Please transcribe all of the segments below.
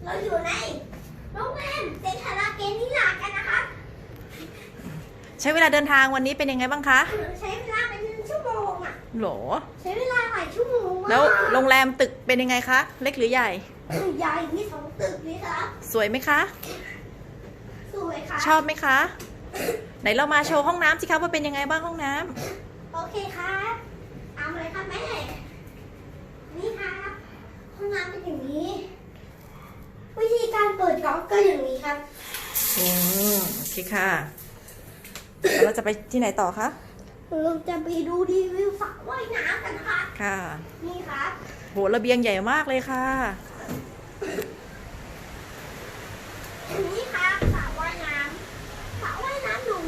เราอยู่ในโรงแรมเซนทาราเกนิลากันนะคะใช้เวลาเดินทางวันนี้เป็นยังไงบ้างคะใช้เวลาเป็นชั่วโมงอ่ะโหรใช้เวลาหลายชั่วโมงแล้วโรงแรมตึกเป็นยังไงคะเล็กหรือใหญ่ใหญ่มี2 ตึกนี่ครับสวยไหมคะสวยค่ะชอบไหมคะไหนเรามาโชว์ห้องน้ำสิคะว่าเป็นยังไงบ้างห้องน้ำโอเคครับเอาเลยครับแม่นี่ครับห้องน้ำเป็นอย่างนี้วิธีการเปิดก๊อกก็อย่างนี้ครับโอเคค่ะแล้วเราจะไปที่ไหนต่อคะเราจะไปดูรีวิวสระว่ายน้ำกันค่ะค่ะนี่ครับโหระเบียงใหญ่มากเลยค่ะนี่ครับสระว่ายน้ำหนู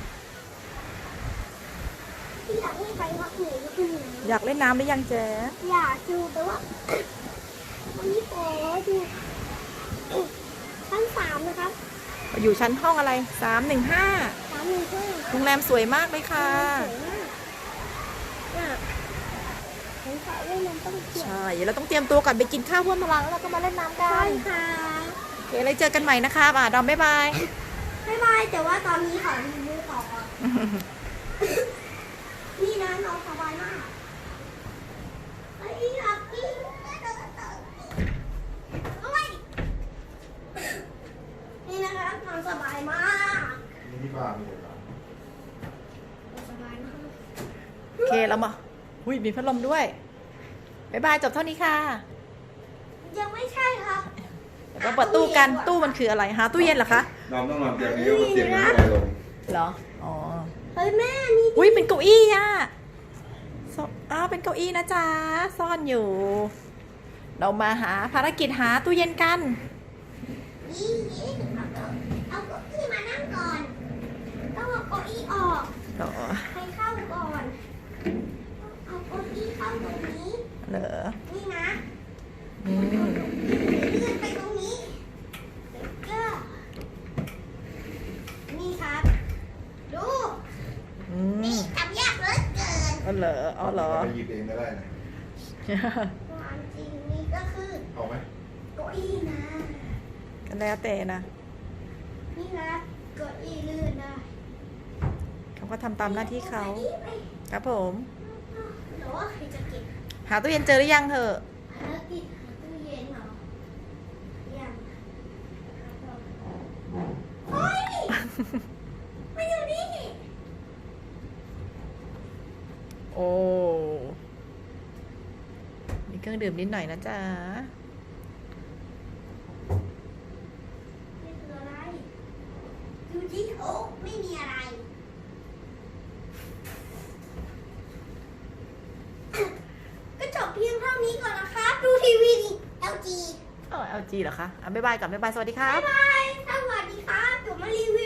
ที่อยากให้ไปพักหนูก็คืออยากเล่นน้ำหรือยังเจ๊อยากดูแต่ว่าวันนี้ขอดูชั้น3นะครับอยู่ชั้นห้องอะไร315โรงแรมสวยมากเลยค่ะใช่เราต้องเตรียมตัวก่อนไปกินข้าวเพื่อมาล้างแล้วเราก็มาเล่นน้ำกันใช่ค่ะโอเคเลยเจอกันใหม่นะคะดอมบ๊ายบายแต่ว่าตอนนี้ขอรีวิวต่อนี่นะน้องสบายมากอยากกินนี่นะคะนอนสบายมากนี่ที่บ้านเลยครับสบายมากโอเคเรามามีพัดลมด้วยบ๊ายบายจบเท่านี้ค่ะยังไม่ใช่ค่ะเราเปิดตู้กันตู้มันคืออะไรหาตู้เย็นเหรอคะน้องต้องนอนเตียงนี้ก็เตียงนี้ลอยลงเหรออ๋อเฮ้ยแม่นี่เป็นเก้าอี้อ่ะเป็นเก้าอี้นะจ๊ะซ่อนอยู่เรามาหาภารกิจหาตู้เย็นกันเอาเก้าอี้มานั่งก่อนต้องเอาเก้าอี้ออกให้เข้าก่อนเอาเก้าอี้เข้าตรงนี้เหรอนี่นะเลื่อนไปตรงนี้ก็นี่ครับดูนี่ทำยากเหลือเกินเหรอไปหยิบเองก็ได้นะความจริงนี่ก็คือเอาไหมเก้าอี้นะก็แล้วแต่นะนี่นะเก้าอี้ลื่นได้เขาก็ทำตามหน้าที่เขาครับผมหรือว่าใครจะเก็บหาตู้เย็นเจอหรือยังเถอะหาตู้เย็นเหรอยังเฮ้ยมาอยู่นี่โอ้มีเครื่องดื่มนิดหน่อยนะจ๊ะนี่คืออะไรดูที่โอ๊กไม่มีอะไรก็จบเพียงเท่านี้ก่อนนะคะดูทีวีดิ LG LG เหรอคะบ๊ายบายก่อนบ๊ายบายสวัสดีครับบ๊ายบายสวัสดีครับเดี๋ยวมารีวิว